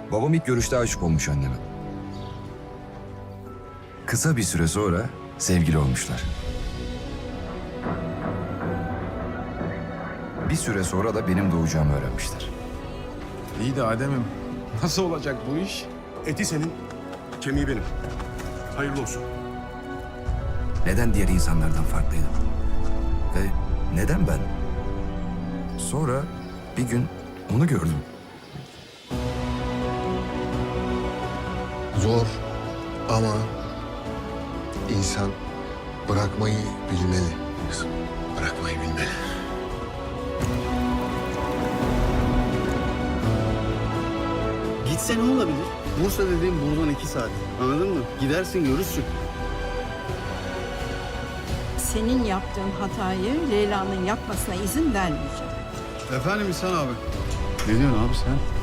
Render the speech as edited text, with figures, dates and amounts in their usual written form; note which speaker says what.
Speaker 1: Babam ilk görüşte aşık olmuş anneme. Kısa bir süre sonra sevgili olmuşlar. Bir süre sonra da benim doğacağımı öğrenmişler.
Speaker 2: İyi de Adem'im, nasıl olacak bu iş?
Speaker 3: Eti senin, kemiği benim. Hayırlı olsun.
Speaker 1: Neden diğer insanlardan farklıydım? Ve neden ben? Sonra bir gün onu gördüm.
Speaker 4: Zor ama insan bırakmayı bilmeli. Bırakmayı bilmeli.
Speaker 5: Gitse ne olabilir? Bursa dediğim buradan 2 saat. Anladın mı? Gidersin görürsün.
Speaker 6: Senin yaptığın hatayı Leyla'nın yapmasına izin vermeyeceğim.
Speaker 5: Efendim İhsan abi. Ne diyorsun abi sen?